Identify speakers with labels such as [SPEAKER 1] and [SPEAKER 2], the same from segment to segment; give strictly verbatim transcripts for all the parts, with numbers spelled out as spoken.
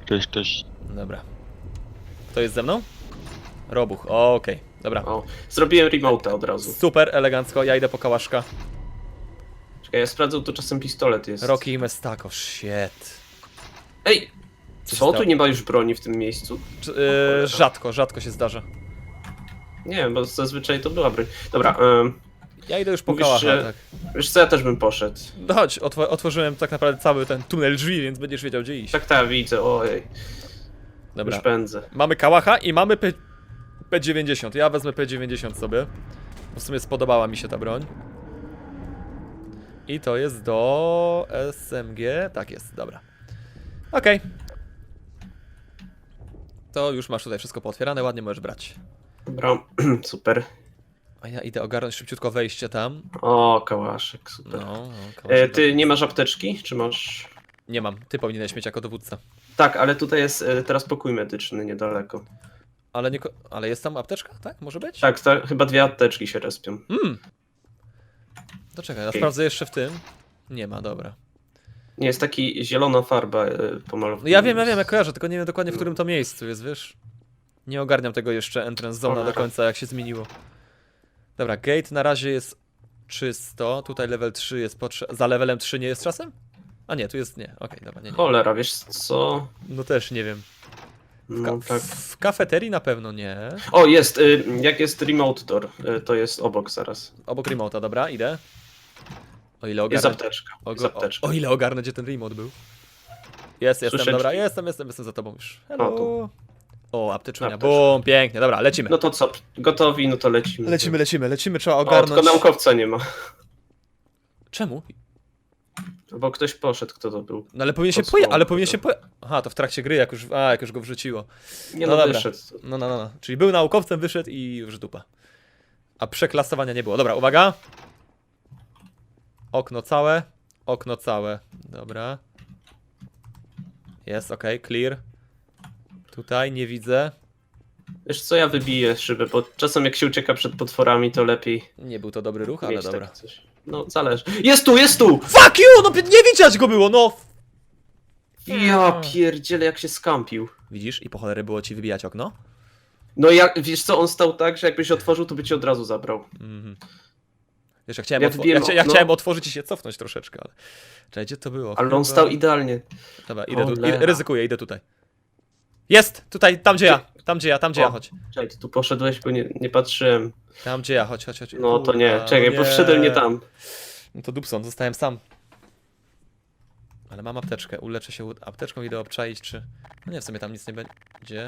[SPEAKER 1] Cześć, cześć.
[SPEAKER 2] Dobra. Kto jest ze mną? Robuch, okej, okay. Dobra.
[SPEAKER 3] O, zrobiłem remote'a od razu.
[SPEAKER 2] Super, elegancko, ja idę po kałaszka.
[SPEAKER 3] Czekaj, ja sprawdzę, tu czasem pistolet jest.
[SPEAKER 2] Rocky i Mestako, shit.
[SPEAKER 3] Ej!
[SPEAKER 2] Co się
[SPEAKER 3] Co? Tu
[SPEAKER 2] stało?
[SPEAKER 3] nie ma już broni w tym miejscu?
[SPEAKER 2] Cz- yy, rzadko, rzadko się zdarza.
[SPEAKER 3] Nie wiem, bo zazwyczaj to była broń. Dobra, ym,
[SPEAKER 2] Ja idę już po
[SPEAKER 3] Mówisz,
[SPEAKER 2] kałacha,
[SPEAKER 3] że-
[SPEAKER 2] tak.
[SPEAKER 3] wiesz co, ja też bym poszedł.
[SPEAKER 2] No chodź, otw otworzyłem tak naprawdę cały ten tunel drzwi, więc będziesz wiedział gdzie iść.
[SPEAKER 3] Tak, tak, widzę, ojej.
[SPEAKER 2] Dobra.
[SPEAKER 3] Już pędzę.
[SPEAKER 2] Mamy kałacha i mamy P P90. Ja wezmę P dziewięćdziesiąt sobie. Bo w sumie spodobała mi się ta broń. I to jest do S M G. Tak jest, dobra. Okej. Okay. To już masz tutaj wszystko pootwierane, ładnie możesz brać.
[SPEAKER 3] Dobra, super.
[SPEAKER 2] A ja idę ogarnąć szybciutko wejście tam.
[SPEAKER 3] O, kałaszek, super.
[SPEAKER 2] No, no,
[SPEAKER 3] E,
[SPEAKER 2] kałaszek
[SPEAKER 3] ty nie masz apteczki? Czy masz?
[SPEAKER 2] Nie mam, ty powinieneś mieć jako dowódca.
[SPEAKER 3] Tak, ale tutaj jest e, teraz pokój medyczny niedaleko.
[SPEAKER 2] Ale nie, ko- ale jest tam apteczka, tak? Może być?
[SPEAKER 3] Tak, ta, chyba dwie apteczki się respią.
[SPEAKER 2] Mm. To czekaj, ja
[SPEAKER 3] Okej.
[SPEAKER 2] sprawdzę jeszcze w tym. Nie ma, dobra.
[SPEAKER 3] Nie, jest taki zielona farba e, pomalowana.
[SPEAKER 2] No ja wiem, ja wiem, ja kojarzę, tylko nie wiem dokładnie w którym to miejscu jest, wiesz? Nie ogarniam tego jeszcze entrance zona do
[SPEAKER 3] Cholera.
[SPEAKER 2] końca, jak się zmieniło. Dobra, gate na razie jest czysto, tutaj level trzy jest potrzebny. Za levelem trzy nie jest czasem? A nie, tu jest, nie, okej, dobra, nie, nie.
[SPEAKER 3] Cholera, wiesz co?
[SPEAKER 2] No też nie wiem. W, ka
[SPEAKER 3] No, tak.
[SPEAKER 2] w kafeterii na pewno nie.
[SPEAKER 3] O, jest, y, jak jest remote door, y, to jest obok zaraz.
[SPEAKER 2] Obok remote'a, dobra, idę. O ile
[SPEAKER 3] Jest
[SPEAKER 2] ogarnę...
[SPEAKER 3] apteczka,
[SPEAKER 2] O,
[SPEAKER 3] jest apteczka.
[SPEAKER 2] o, o ile ogarnę, gdzie ten remote był. Jest, jestem,
[SPEAKER 3] Słyszę
[SPEAKER 2] dobra,
[SPEAKER 3] drzwi.
[SPEAKER 2] jestem, jestem, jestem za tobą już. Hello.
[SPEAKER 3] O, tu.
[SPEAKER 2] O, apteczunia,
[SPEAKER 3] Apteczka.
[SPEAKER 2] bum, pięknie, dobra, lecimy.
[SPEAKER 3] No to co, gotowi, no to lecimy.
[SPEAKER 2] Lecimy, lecimy, lecimy, trzeba
[SPEAKER 3] O,
[SPEAKER 2] ogarnąć.
[SPEAKER 3] tylko naukowca nie ma.
[SPEAKER 2] Czemu?
[SPEAKER 3] Bo ktoś poszedł, kto to był.
[SPEAKER 2] No ale powinien się
[SPEAKER 3] Podsłuchał
[SPEAKER 2] poja... ale powinien
[SPEAKER 3] to.
[SPEAKER 2] się poja... Aha, to w trakcie gry, jak już, a, jak już go wrzuciło.
[SPEAKER 3] Nie
[SPEAKER 2] No
[SPEAKER 3] no,
[SPEAKER 2] dobra.
[SPEAKER 3] wyszedł.
[SPEAKER 2] No, no, no, no. Czyli był naukowcem, wyszedł i już dupa. A przeklasowania nie było. Dobra, uwaga. Okno całe. Okno całe. Dobra. Jest, okej, okay, clear. Tutaj nie widzę.
[SPEAKER 3] Wiesz co, ja wybiję szybę, bo czasem jak się ucieka przed potworami, to lepiej
[SPEAKER 2] Nie był to dobry ruch, ale
[SPEAKER 3] mieć
[SPEAKER 2] dobra.
[SPEAKER 3] tak coś. No, zależy. Jest tu, jest tu!
[SPEAKER 2] Fuck you! No nie widać go było, no!
[SPEAKER 3] Ja pierdzielę, jak się skampił.
[SPEAKER 2] Widzisz? I po cholery było ci wybijać okno?
[SPEAKER 3] No jak, wiesz co, on stał tak, że jakbyś otworzył, to by cię od razu zabrał.
[SPEAKER 2] Mhm. Wiesz, ja chciałem,
[SPEAKER 3] Ja
[SPEAKER 2] otwo-
[SPEAKER 3] wbiłem
[SPEAKER 2] ja, chcia- ja
[SPEAKER 3] okno.
[SPEAKER 2] chciałem otworzyć i się cofnąć troszeczkę, ale... Czekaj, gdzie to było?
[SPEAKER 3] Ale on
[SPEAKER 2] Chyba-
[SPEAKER 3] stał idealnie.
[SPEAKER 2] Dobra, idę tu,
[SPEAKER 3] Cholera.
[SPEAKER 2] idę, ryzykuję, idę tutaj. Jest! Tutaj, tam gdzie ja, tam gdzie ja, tam gdzie ja,
[SPEAKER 3] O.
[SPEAKER 2] chodź.
[SPEAKER 3] Czekaj, ty tu poszedłeś, bo nie, nie patrzyłem.
[SPEAKER 2] Tam gdzie ja, chodź, chodź, chodź.
[SPEAKER 3] No to nie,
[SPEAKER 2] Kurwa,
[SPEAKER 3] czekaj,
[SPEAKER 2] no
[SPEAKER 3] bo wszedłem nie tam.
[SPEAKER 2] No to dupson, zostałem sam. Ale mam apteczkę, uleczę się u- apteczką, idę obczaić, czy... No nie, w sumie tam nic nie będzie.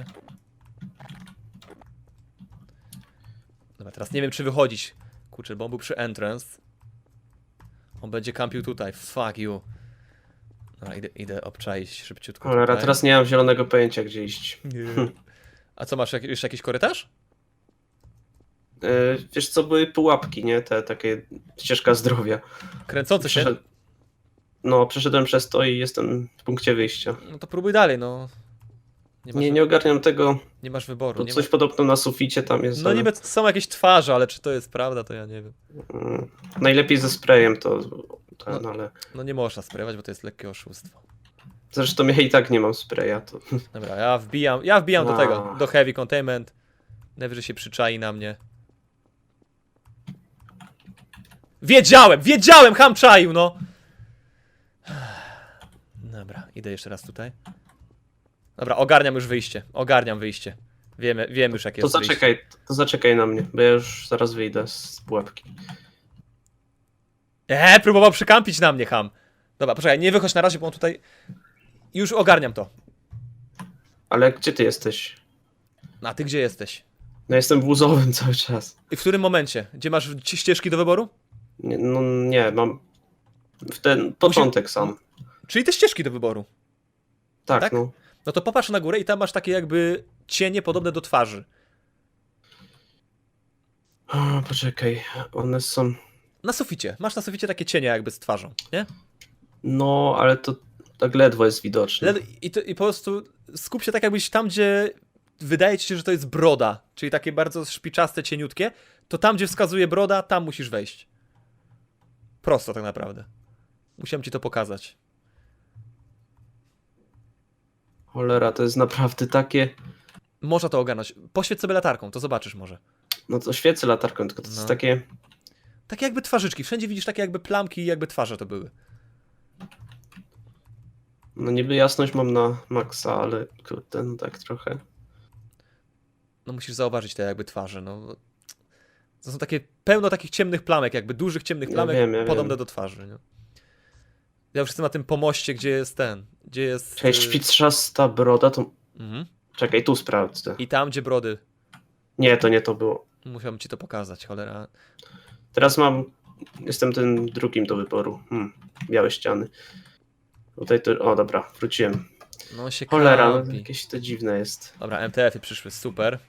[SPEAKER 2] Dobra, teraz nie wiem, czy wychodzić. Kurczę, bo on był przy entrance. On będzie kampił tutaj, fuck you. Dobra, idę, idę obczaić szybciutko
[SPEAKER 3] Cholera,
[SPEAKER 2] tutaj.
[SPEAKER 3] teraz nie mam zielonego pojęcia, gdzie iść.
[SPEAKER 2] Nie. A co, masz jak, jeszcze jakiś korytarz?
[SPEAKER 3] Yy, wiesz co, były pułapki, nie? Te takie ścieżka zdrowia.
[SPEAKER 2] Kręcący się?
[SPEAKER 3] Przeszed... No, przeszedłem przez to i jestem w punkcie wyjścia.
[SPEAKER 2] No to próbuj dalej, no. Nie masz,
[SPEAKER 3] Nie, nie ogarniam tego,
[SPEAKER 2] nie masz wyboru.
[SPEAKER 3] bo
[SPEAKER 2] Nie
[SPEAKER 3] coś
[SPEAKER 2] ma...
[SPEAKER 3] podobno na suficie tam jest.
[SPEAKER 2] No
[SPEAKER 3] ale,
[SPEAKER 2] niby są jakieś twarze, ale czy to jest prawda, to ja nie wiem.
[SPEAKER 3] mm, najlepiej ze sprayem to ten,
[SPEAKER 2] No.
[SPEAKER 3] ale...
[SPEAKER 2] No nie można sprayować, bo to jest lekkie oszustwo.
[SPEAKER 3] Zresztą ja i tak nie mam spraya, to...
[SPEAKER 2] Dobra, ja wbijam, ja wbijam do
[SPEAKER 3] Wow.
[SPEAKER 2] tego, do heavy containment. Najwyżej się przyczai na mnie. Wiedziałem, wiedziałem, ham czaił, no! Dobra, idę jeszcze raz tutaj. Dobra, ogarniam już wyjście, ogarniam wyjście. Wiemy, wiem już jakie
[SPEAKER 3] To
[SPEAKER 2] jest wyjście.
[SPEAKER 3] zaczekaj, to zaczekaj na mnie, bo ja już zaraz wyjdę z pułapki.
[SPEAKER 2] Eee, próbował przykampić na mnie, ham. Dobra, poczekaj, nie wychodź na razie, bo on tutaj... Już ogarniam to.
[SPEAKER 3] Ale gdzie ty jesteś?
[SPEAKER 2] A ty gdzie jesteś?
[SPEAKER 3] No jestem w łuzowym cały czas.
[SPEAKER 2] I w którym momencie? Gdzie masz ci- ścieżki do wyboru?
[SPEAKER 3] Nie, no nie, mam... W ten początek sam.
[SPEAKER 2] Czyli te ścieżki do wyboru.
[SPEAKER 3] Tak,
[SPEAKER 2] tak?
[SPEAKER 3] no.
[SPEAKER 2] No to popatrz na górę i tam masz takie jakby cienie podobne do twarzy.
[SPEAKER 3] O, poczekaj, one są...
[SPEAKER 2] Na suficie. Masz na suficie takie cienie jakby z twarzą, nie?
[SPEAKER 3] No, ale to tak ledwo jest widoczne.
[SPEAKER 2] Le- I, to, I po prostu skup się tak jakbyś tam, gdzie wydaje ci się, że to jest broda, czyli takie bardzo szpiczaste, cieniutkie, to tam, gdzie wskazuje broda, tam musisz wejść. Prosto tak naprawdę. Musiałem ci to pokazać.
[SPEAKER 3] Cholera, to jest naprawdę takie...
[SPEAKER 2] Można to ogarnąć. Poświeć sobie latarką, to zobaczysz może.
[SPEAKER 3] No to świecę latarką, tylko to
[SPEAKER 2] No.
[SPEAKER 3] jest takie...
[SPEAKER 2] Takie jakby twarzyczki. Wszędzie widzisz takie jakby plamki i jakby twarze to były.
[SPEAKER 3] No niby jasność mam na maksa, ale kurde, no tak trochę.
[SPEAKER 2] No musisz zauważyć te jakby twarze, no. To są takie, pełno takich ciemnych plamek, jakby dużych ciemnych
[SPEAKER 3] Ja
[SPEAKER 2] plamek,
[SPEAKER 3] wiem, ja
[SPEAKER 2] podobne
[SPEAKER 3] wiem.
[SPEAKER 2] do twarzy, nie? Ja już jestem na tym pomoście, gdzie jest ten, gdzie jest...
[SPEAKER 3] Czekaj,
[SPEAKER 2] y,
[SPEAKER 3] szpitrzasta broda to...
[SPEAKER 2] Mhm.
[SPEAKER 3] Czekaj, tu sprawdzę.
[SPEAKER 2] I tam, gdzie brody.
[SPEAKER 3] Nie, to nie to było.
[SPEAKER 2] Musiałbym ci to pokazać, cholera.
[SPEAKER 3] Teraz mam... Jestem tym drugim do wyboru. Hmm, białe ściany. Tutaj to... O, dobra, wróciłem.
[SPEAKER 2] No się
[SPEAKER 3] Cholera, no,
[SPEAKER 2] kampi.
[SPEAKER 3] jakieś to dziwne jest.
[SPEAKER 2] Dobra, M T F-y przyszły, super.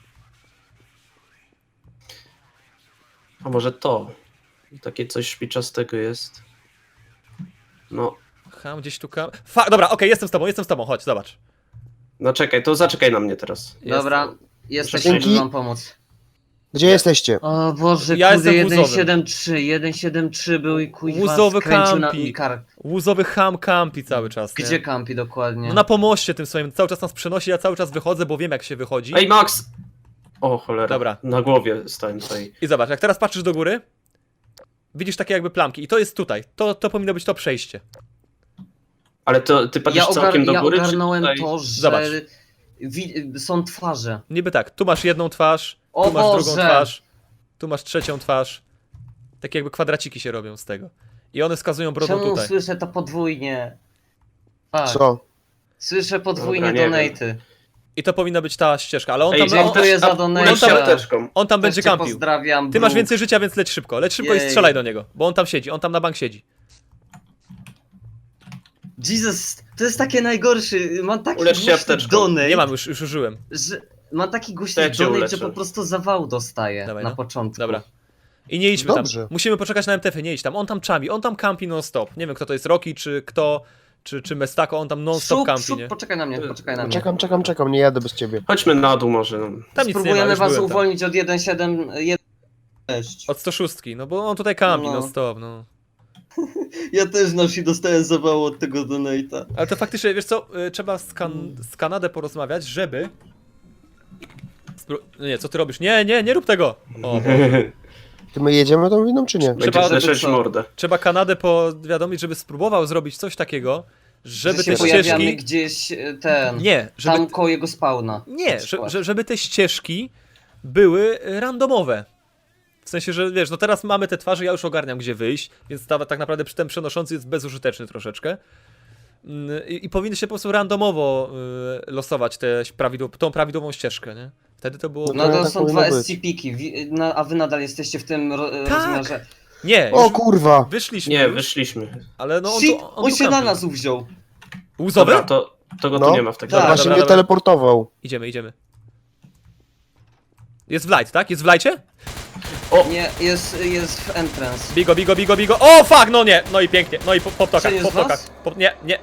[SPEAKER 3] A może to? Takie coś szpiczastego jest. No,
[SPEAKER 2] Ham gdzieś tu kam... Fa dobra, okej, jestem z tobą, jestem z tobą, chodź, zobacz.
[SPEAKER 3] no czekaj, to zaczekaj na mnie teraz.
[SPEAKER 1] Dobra, jesteśmy,
[SPEAKER 3] Dzięki.
[SPEAKER 1] żeby wam pomóc.
[SPEAKER 4] Gdzie jesteście?
[SPEAKER 1] O Boże,
[SPEAKER 2] Ja
[SPEAKER 1] kurde,
[SPEAKER 2] jestem wózowym.
[SPEAKER 1] jeden siedem trzy, jeden siedem trzy był i kuźwa
[SPEAKER 2] Łuzowy
[SPEAKER 1] skręcił na
[SPEAKER 2] kampi.
[SPEAKER 1] mi kark.
[SPEAKER 2] Łuzowy ham kampi cały czas, nie?
[SPEAKER 1] Gdzie kampi dokładnie?
[SPEAKER 2] No na pomoście tym swoim, cały czas nas przenosi, ja cały czas wychodzę, bo wiem jak się wychodzi.
[SPEAKER 3] Ej, Max! O, cholera.
[SPEAKER 2] Dobra.
[SPEAKER 3] Na głowie stałem tutaj.
[SPEAKER 2] I zobacz, jak teraz patrzysz do góry, widzisz takie jakby plamki i to jest tutaj, to, to powinno być to przejście.
[SPEAKER 3] Ale to ty patrzysz
[SPEAKER 1] ja, ogar
[SPEAKER 3] całkiem do
[SPEAKER 1] ja
[SPEAKER 3] góry,
[SPEAKER 1] ogarnąłem
[SPEAKER 3] czy tutaj...
[SPEAKER 1] to, że
[SPEAKER 2] Zobacz.
[SPEAKER 1] wi- są twarze.
[SPEAKER 2] Niby tak, tu masz jedną twarz, tu
[SPEAKER 1] O
[SPEAKER 2] masz drugą
[SPEAKER 1] Boże!
[SPEAKER 2] twarz, tu masz trzecią twarz. Takie jakby kwadraciki się robią z tego. I one wskazują brodą
[SPEAKER 1] Czemu
[SPEAKER 2] tutaj.
[SPEAKER 1] słyszę to podwójnie? Tak,
[SPEAKER 4] Co?
[SPEAKER 1] słyszę podwójnie
[SPEAKER 3] Dobra, nie
[SPEAKER 1] donaty.
[SPEAKER 2] I to powinna być ta ścieżka, ale on
[SPEAKER 3] Ej,
[SPEAKER 2] tam, on,
[SPEAKER 1] dziękuję za
[SPEAKER 3] a-
[SPEAKER 1] donate.
[SPEAKER 3] uleć się apteczką.
[SPEAKER 2] on tam
[SPEAKER 1] Też
[SPEAKER 2] będzie
[SPEAKER 1] cię
[SPEAKER 2] kampił.
[SPEAKER 1] pozdrawiam,
[SPEAKER 2] Ty masz
[SPEAKER 1] Brooke.
[SPEAKER 2] więcej życia, więc leć szybko. Leć szybko i
[SPEAKER 1] Jej.
[SPEAKER 2] strzelaj do niego, bo on tam siedzi, on tam na bank siedzi.
[SPEAKER 1] Jesus, to jest takie najgorszy. Mam taki
[SPEAKER 3] Ulecz się
[SPEAKER 1] głośny
[SPEAKER 3] apteczką.
[SPEAKER 1] donate,
[SPEAKER 2] Nie mam, już, już użyłem.
[SPEAKER 1] że mam taki
[SPEAKER 3] To
[SPEAKER 1] głośny
[SPEAKER 3] ja cię
[SPEAKER 1] donate,
[SPEAKER 3] uleczę.
[SPEAKER 1] że po prostu zawał dostaję
[SPEAKER 2] Dawaj,
[SPEAKER 1] na
[SPEAKER 2] no.
[SPEAKER 1] początku.
[SPEAKER 2] Dobra. I nie idźmy
[SPEAKER 4] Dobrze.
[SPEAKER 2] tam. Musimy poczekać na M T F-y, nie idź tam. On tam czami, on tam kampi non-stop. Nie wiem kto to jest, Rocky czy kto, czy, czy Mestako, on tam non-stop
[SPEAKER 1] Szup,
[SPEAKER 2] kampi,
[SPEAKER 1] szup,
[SPEAKER 2] nie?
[SPEAKER 1] poczekaj na mnie, poczekaj na mnie.
[SPEAKER 4] Czekam, czekam, czekam, nie jadę bez ciebie.
[SPEAKER 3] Chodźmy na dół może. No.
[SPEAKER 2] Tam nic nie ma,
[SPEAKER 1] Spróbujemy
[SPEAKER 2] już
[SPEAKER 1] was
[SPEAKER 2] byłem tam.
[SPEAKER 1] uwolnić od jeden siedem jeden sześć.
[SPEAKER 2] Od sto sześć, no bo on tutaj kampi
[SPEAKER 1] No.
[SPEAKER 2] non-stop, no.
[SPEAKER 1] Ja też nosi dostałem zawału od tego donate'a.
[SPEAKER 2] Ale to faktycznie, wiesz co, y, trzeba z, kan z Kanadę porozmawiać, żeby... Spró no nie, co ty robisz? Nie, nie, nie rób tego! O, Boże.
[SPEAKER 4] Ty my jedziemy tą winą, czy nie?
[SPEAKER 2] Trzeba-
[SPEAKER 3] Będziesz
[SPEAKER 1] żeby
[SPEAKER 3] leszeć
[SPEAKER 1] co?
[SPEAKER 3] mordę.
[SPEAKER 2] Trzeba Kanadę powiadomić, żeby spróbował zrobić coś takiego, żeby
[SPEAKER 1] że się
[SPEAKER 2] te
[SPEAKER 1] pojawiamy
[SPEAKER 2] ścieżki...
[SPEAKER 1] gdzieś e, ten,
[SPEAKER 2] Nie, żeby...
[SPEAKER 1] tam koło jego spawna.
[SPEAKER 2] Nie,
[SPEAKER 1] na
[SPEAKER 2] że,
[SPEAKER 1] przykład.
[SPEAKER 2] że, żeby te ścieżki były randomowe. W sensie, że wiesz, no teraz mamy te twarze, ja już ogarniam gdzie wyjść, więc ta, tak naprawdę ten przenoszący jest bezużyteczny troszeczkę. Mm, I, i powinny się po prostu randomowo y, losować te prawidłow tą prawidłową ścieżkę, nie? Wtedy to było...
[SPEAKER 4] No
[SPEAKER 1] No to
[SPEAKER 4] tak
[SPEAKER 1] są
[SPEAKER 4] powinno
[SPEAKER 1] dwa
[SPEAKER 4] być.
[SPEAKER 1] S C P-ki, wi- na- a wy nadal jesteście w tym ro
[SPEAKER 2] Tak.
[SPEAKER 1] rozmiarze.
[SPEAKER 2] Nie,
[SPEAKER 4] O
[SPEAKER 2] już
[SPEAKER 4] kurwa!
[SPEAKER 2] wyszliśmy
[SPEAKER 3] Nie,
[SPEAKER 2] już,
[SPEAKER 3] wyszliśmy.
[SPEAKER 2] ale no on,
[SPEAKER 1] Shit,
[SPEAKER 2] tu,
[SPEAKER 1] on
[SPEAKER 2] tu
[SPEAKER 1] się na
[SPEAKER 2] kampi.
[SPEAKER 1] nas uwziął.
[SPEAKER 2] Łzowy?
[SPEAKER 3] Dobra, to, to go
[SPEAKER 4] No.
[SPEAKER 3] tu nie ma w takim
[SPEAKER 1] Tak.
[SPEAKER 3] razie.
[SPEAKER 4] Właśnie
[SPEAKER 2] dobra,
[SPEAKER 4] mnie
[SPEAKER 2] dobra.
[SPEAKER 4] teleportował.
[SPEAKER 2] Idziemy, idziemy. Jest w light, tak? Jest w lightie?
[SPEAKER 1] Nie, jest, jest w entrance.
[SPEAKER 2] Bigo, bigo, bigo, bigo. O, fuck, no nie! No i pięknie, no i po, po ptokach,
[SPEAKER 1] Czy
[SPEAKER 2] po
[SPEAKER 1] jest was?
[SPEAKER 2] ptokach. Po, nie, nie.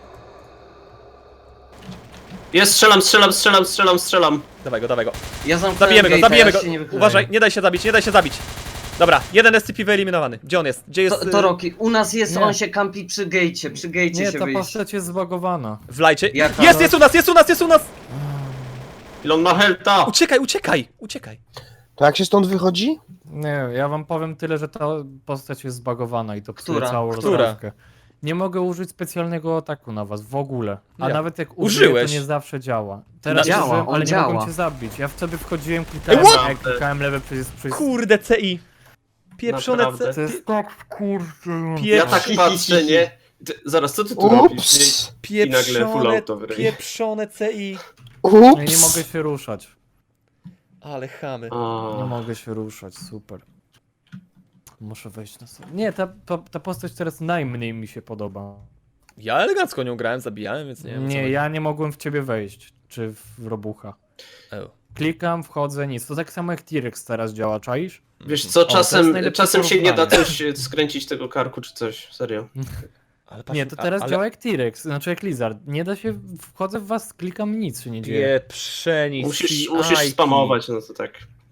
[SPEAKER 3] Jest, strzelam, strzelam, strzelam, strzelam, strzelam.
[SPEAKER 2] Dawaj go, dawaj go.
[SPEAKER 1] Ja zamknąłem
[SPEAKER 2] Zabijemy go,
[SPEAKER 1] gate'a,
[SPEAKER 2] zabijemy
[SPEAKER 1] ja
[SPEAKER 2] go.
[SPEAKER 1] się nie wychylaję.
[SPEAKER 2] Uważaj, nie daj się zabić, nie daj się zabić. Dobra, jeden S C P wyeliminowany. Gdzie on jest? Gdzie jest?
[SPEAKER 1] To,
[SPEAKER 2] y,
[SPEAKER 1] to Rocky, u nas jest,
[SPEAKER 5] Nie.
[SPEAKER 1] on się kampi przy gejcie, przy gejcie
[SPEAKER 5] Nie,
[SPEAKER 1] się
[SPEAKER 5] ta
[SPEAKER 1] wyjść.
[SPEAKER 5] postać jest zbagowana.
[SPEAKER 2] W lajcie?
[SPEAKER 1] Jaka?
[SPEAKER 2] Jest, jest u nas, jest u nas, jest u nas!
[SPEAKER 3] Ile on ma helta?
[SPEAKER 2] Uciekaj, uciekaj, uciekaj.
[SPEAKER 4] To jak się stąd wychodzi?
[SPEAKER 5] Nie, ja wam powiem tyle, że ta postać jest zbagowana i to psuje
[SPEAKER 1] Która?
[SPEAKER 5] całą
[SPEAKER 2] Która?
[SPEAKER 5] rozgrywkę. Nie mogę użyć specjalnego ataku na was, w ogóle. A
[SPEAKER 2] Ja.
[SPEAKER 5] nawet jak użyję,
[SPEAKER 2] Użyłeś.
[SPEAKER 5] to nie zawsze działa. Teraz
[SPEAKER 1] Działa,
[SPEAKER 5] użyłem,
[SPEAKER 1] on
[SPEAKER 5] ale nie
[SPEAKER 1] działa.
[SPEAKER 5] mogłem cię zabić. Ja wtedy wchodziłem, klikałem
[SPEAKER 2] Ej, what?
[SPEAKER 5] na klikałem lewe przycisk, przycisk.
[SPEAKER 2] Kurde, C I. Pieprzone
[SPEAKER 3] Naprawdę?
[SPEAKER 2] C
[SPEAKER 5] To jest tak kurde.
[SPEAKER 2] Pie-
[SPEAKER 3] Ja tak patrzę, nie? Ty, zaraz, co ty tu robisz?
[SPEAKER 4] Ups!
[SPEAKER 3] I nagle full
[SPEAKER 2] Pieprzone,
[SPEAKER 3] auto w ryj.
[SPEAKER 2] pieprzone C I.
[SPEAKER 5] Ja nie mogę
[SPEAKER 4] Ups!
[SPEAKER 5] się ruszać.
[SPEAKER 2] Ale chamy.
[SPEAKER 5] Nie
[SPEAKER 3] A,
[SPEAKER 5] mogę się ruszać, super. Muszę wejść na sobie. Nie, ta, ta, ta postać teraz najmniej mi się podoba.
[SPEAKER 2] Ja elegancko nią grałem, zabijałem, więc nie wiem.
[SPEAKER 5] Nie, ja nie mogłem w ciebie wejść. Czy w robucha.
[SPEAKER 2] Oh.
[SPEAKER 5] Klikam, wchodzę, nic. To tak samo jak T-Rex teraz działa, czaisz?
[SPEAKER 3] wiesz co,
[SPEAKER 5] O, to jest
[SPEAKER 3] czasem,
[SPEAKER 5] najlepsze
[SPEAKER 3] czasem się nie da
[SPEAKER 5] porównanie.
[SPEAKER 3] coś e, skręcić tego karku czy coś, serio.
[SPEAKER 2] Ale patrz,
[SPEAKER 5] Nie, to
[SPEAKER 2] a-
[SPEAKER 5] teraz
[SPEAKER 2] ale
[SPEAKER 5] działa jak T-Rex, znaczy jak Lizard. Nie da się, wchodzę w was, klikam, nic się nie dzieje.
[SPEAKER 2] Pieprzeni
[SPEAKER 3] Musisz,
[SPEAKER 2] C I.
[SPEAKER 3] musisz spamować, no to tak.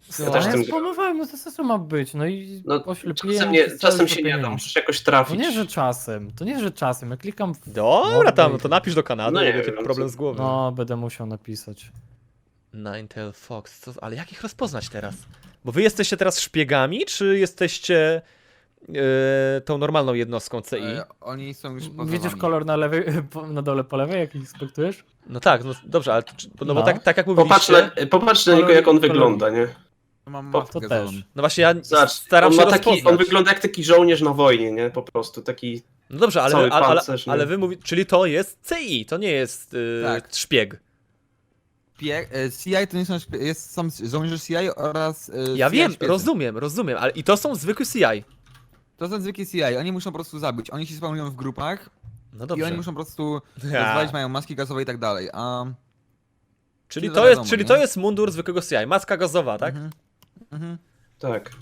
[SPEAKER 3] Ja
[SPEAKER 5] No,
[SPEAKER 3] też
[SPEAKER 5] ja
[SPEAKER 3] tym
[SPEAKER 5] spamowałem, no to co ma być? No i
[SPEAKER 3] No,
[SPEAKER 5] oślepiłem
[SPEAKER 3] czasem, nie,
[SPEAKER 5] przez cały
[SPEAKER 3] czasem się
[SPEAKER 5] to
[SPEAKER 3] nie da,
[SPEAKER 5] pieniędzy.
[SPEAKER 3] musisz jakoś
[SPEAKER 5] No
[SPEAKER 3] trafić.
[SPEAKER 5] nie, że czasem, to nie, że czasem, ja klikam w...
[SPEAKER 2] Dobra tam,
[SPEAKER 5] No,
[SPEAKER 2] no to napisz do Kanady,
[SPEAKER 3] no
[SPEAKER 2] no
[SPEAKER 3] nie
[SPEAKER 2] nie będzie
[SPEAKER 3] wiem,
[SPEAKER 2] problem
[SPEAKER 3] co-
[SPEAKER 2] z głowy.
[SPEAKER 5] No, będę musiał napisać.
[SPEAKER 2] Ninetale Fox, co, ale jak ich rozpoznać teraz? Bo wy jesteście teraz szpiegami, czy jesteście e, tą normalną jednostką C I?
[SPEAKER 6] E, oni są już poza
[SPEAKER 5] Widzisz
[SPEAKER 6] wami.
[SPEAKER 5] kolor na lewej, po- na dole po lewej, jak ich inspektujesz?
[SPEAKER 2] No tak, no dobrze, ale czy- no, bo
[SPEAKER 5] No.
[SPEAKER 2] tak, tak jak
[SPEAKER 3] Popatrz
[SPEAKER 2] mówiliście,
[SPEAKER 3] na, popatrz na niego,
[SPEAKER 5] Kolor-
[SPEAKER 3] jak on
[SPEAKER 5] kolor-
[SPEAKER 3] wygląda, nie?
[SPEAKER 6] Mam
[SPEAKER 3] to
[SPEAKER 6] maskę
[SPEAKER 5] też.
[SPEAKER 6] zieloną.
[SPEAKER 2] no właśnie ja
[SPEAKER 3] Zobacz,
[SPEAKER 2] staram
[SPEAKER 3] on,
[SPEAKER 2] się
[SPEAKER 3] ma taki,
[SPEAKER 2] rozpoznać.
[SPEAKER 3] on wygląda jak taki żołnierz na wojnie, nie? Po prostu, taki...
[SPEAKER 2] No dobrze, ale,
[SPEAKER 3] cały
[SPEAKER 2] ale, ale,
[SPEAKER 3] pancerz, nie?
[SPEAKER 2] ale wy mówicie, czyli to jest C I, to nie jest yy,
[SPEAKER 6] Tak.
[SPEAKER 2] szpieg.
[SPEAKER 6] Pie- e, C I to nie są, szpie- jest sam żołnierze C I oraz e,
[SPEAKER 2] Ja
[SPEAKER 6] C I
[SPEAKER 2] wiem,
[SPEAKER 6] szpiecy.
[SPEAKER 2] rozumiem, rozumiem, ale i to są zwykłe C I.
[SPEAKER 6] To są zwykli C I, oni muszą po prostu zabić. Oni się spawnują w grupach
[SPEAKER 2] No
[SPEAKER 6] i
[SPEAKER 2] dobrze.
[SPEAKER 6] oni muszą po prostu
[SPEAKER 2] Ja.
[SPEAKER 6] rozwalić, mają maski gazowe i tak dalej. A...
[SPEAKER 2] Czyli
[SPEAKER 6] to
[SPEAKER 2] to jest,
[SPEAKER 6] wiadomo,
[SPEAKER 2] czyli
[SPEAKER 6] nie?
[SPEAKER 2] to jest mundur zwykłego C I, maska gazowa, tak?
[SPEAKER 6] Mhm. Mhm.
[SPEAKER 3] Tak.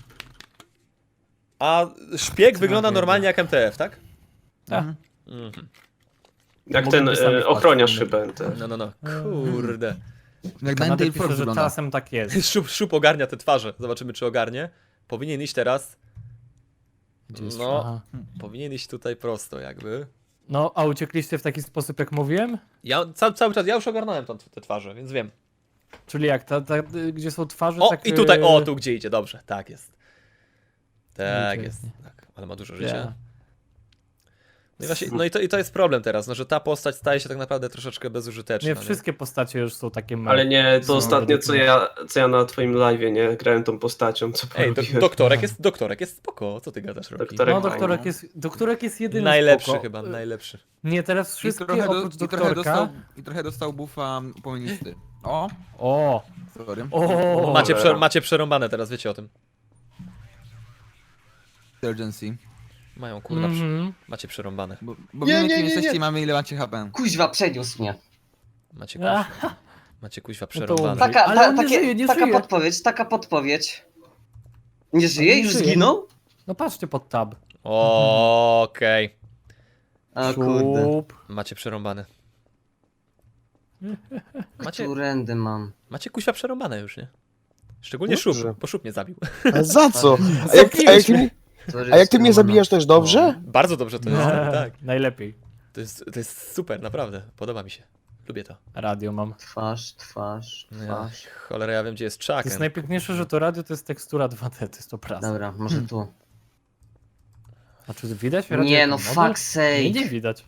[SPEAKER 2] A szpieg
[SPEAKER 6] Co
[SPEAKER 2] wygląda
[SPEAKER 6] mam
[SPEAKER 2] normalnie jak M T F, tak?
[SPEAKER 5] Tak.
[SPEAKER 6] Mhm.
[SPEAKER 2] Mhm.
[SPEAKER 3] Jak
[SPEAKER 5] Mogliby
[SPEAKER 3] ten
[SPEAKER 5] sami
[SPEAKER 3] e,
[SPEAKER 5] wpaść,
[SPEAKER 3] ochroniarz
[SPEAKER 5] nie?
[SPEAKER 3] chyba. Ten.
[SPEAKER 2] No, no, no, kurde.
[SPEAKER 6] Jak
[SPEAKER 5] Kanada
[SPEAKER 6] Ninetale
[SPEAKER 5] pisze,
[SPEAKER 6] Fox
[SPEAKER 5] że
[SPEAKER 6] wygląda.
[SPEAKER 5] czasem tak jest.
[SPEAKER 2] Szup, szup ogarnia te twarze, zobaczymy czy ogarnie. Powinien iść teraz,
[SPEAKER 5] Gdzie jest-
[SPEAKER 2] no,
[SPEAKER 5] Aha.
[SPEAKER 2] powinien iść tutaj prosto jakby.
[SPEAKER 5] No, a uciekliście w taki sposób, jak mówiłem?
[SPEAKER 2] Ja ca cały czas, ja już ogarnąłem tam te twarze, więc wiem.
[SPEAKER 5] Czyli jak, ta, ta, gdzie są twarze,
[SPEAKER 2] O,
[SPEAKER 5] tak...
[SPEAKER 2] i tutaj, o,
[SPEAKER 5] e,
[SPEAKER 2] tu gdzie idzie, dobrze, tak jest. Tak
[SPEAKER 5] Idzie.
[SPEAKER 2] jest, tak, ale ma dużo
[SPEAKER 5] Ja.
[SPEAKER 2] życia. No i, właśnie, no i, to, i to jest problem teraz, no, że ta postać staje się tak naprawdę troszeczkę bezużyteczna.
[SPEAKER 5] Nie, wszystkie postacie już są takie małe.
[SPEAKER 3] Ale nie, to
[SPEAKER 5] Są
[SPEAKER 3] ostatnio,
[SPEAKER 5] według
[SPEAKER 3] co
[SPEAKER 5] mnie.
[SPEAKER 3] ja, co ja na twoim live'ie, nie? Grałem tą postacią, co
[SPEAKER 2] Ej, do,
[SPEAKER 3] porobiłem.
[SPEAKER 2] doktorek jest, doktorek jest spoko, co ty gadasz, Roki?
[SPEAKER 3] Doktorek
[SPEAKER 5] No,
[SPEAKER 3] fajny.
[SPEAKER 5] doktorek jest, doktorek jest jedyny
[SPEAKER 2] Najlepszy
[SPEAKER 5] spoko.
[SPEAKER 2] chyba, najlepszy.
[SPEAKER 5] Nie, teraz
[SPEAKER 6] I
[SPEAKER 5] wszystkie
[SPEAKER 6] trochę, do,
[SPEAKER 5] oprócz
[SPEAKER 6] i, trochę
[SPEAKER 5] doktorka...
[SPEAKER 6] dostał, I trochę dostał buffa upomienisty. O,
[SPEAKER 5] O,
[SPEAKER 6] sorry.
[SPEAKER 5] o,
[SPEAKER 2] Macie,
[SPEAKER 3] cholera.
[SPEAKER 2] prze, macie przerąbane teraz, wiecie o tym.
[SPEAKER 6] Urgency.
[SPEAKER 2] Mają kurwa, prze,
[SPEAKER 5] mhm.
[SPEAKER 2] macie przerąbane.
[SPEAKER 6] Bo, bo
[SPEAKER 1] Nie,
[SPEAKER 6] wiemy,
[SPEAKER 1] nie,
[SPEAKER 6] kim
[SPEAKER 1] nie,
[SPEAKER 6] jesteście
[SPEAKER 1] nie.
[SPEAKER 6] i mamy ile macie H P.
[SPEAKER 1] Kuźwa, przeniósł mnie.
[SPEAKER 2] Macie kuźwa,
[SPEAKER 5] Aha,
[SPEAKER 2] macie kuźwa
[SPEAKER 5] No to
[SPEAKER 2] przerąbane.
[SPEAKER 5] umrzyj.
[SPEAKER 1] Taka,
[SPEAKER 5] Ale
[SPEAKER 1] ta,
[SPEAKER 5] on nie
[SPEAKER 1] takie,
[SPEAKER 5] żyje, nie
[SPEAKER 1] taka
[SPEAKER 5] żyje.
[SPEAKER 1] podpowiedź, taka podpowiedź. Nie żyje?
[SPEAKER 5] nie
[SPEAKER 1] Już
[SPEAKER 5] żyje.
[SPEAKER 1] zginął?
[SPEAKER 5] no patrzcie pod tab.
[SPEAKER 2] Okej,
[SPEAKER 1] A kurde.
[SPEAKER 5] Szup.
[SPEAKER 2] macie przerąbane. Macie,
[SPEAKER 1] Którędy mam?
[SPEAKER 2] macie kuźwa przerąbane już, nie? Szczególnie
[SPEAKER 4] Dobrze.
[SPEAKER 2] Szup, bo Szup mnie zabił.
[SPEAKER 4] A za co? A jak, a jak, ty, mnie-
[SPEAKER 1] Sorry,
[SPEAKER 4] a jak ty mnie
[SPEAKER 1] Stefano.
[SPEAKER 4] zabijasz też dobrze?
[SPEAKER 2] Bardzo dobrze to jest, tak.
[SPEAKER 5] Najlepiej.
[SPEAKER 2] To jest, to jest super, naprawdę. Podoba mi się. Lubię to.
[SPEAKER 5] Radio mam.
[SPEAKER 1] Twarz, twarz,
[SPEAKER 2] Ja,
[SPEAKER 1] twarz.
[SPEAKER 2] cholera, ja wiem, gdzie jest
[SPEAKER 5] To jest
[SPEAKER 2] Chucken.
[SPEAKER 5] najpiękniejsze, że to radio to jest tekstura dwa D, to jest obraz.
[SPEAKER 1] Dobra, może tu.
[SPEAKER 5] A czy widać radio
[SPEAKER 1] Nie
[SPEAKER 5] jako
[SPEAKER 1] no,
[SPEAKER 5] model?
[SPEAKER 1] fuck
[SPEAKER 5] Nie, nie
[SPEAKER 1] sake.
[SPEAKER 5] widać.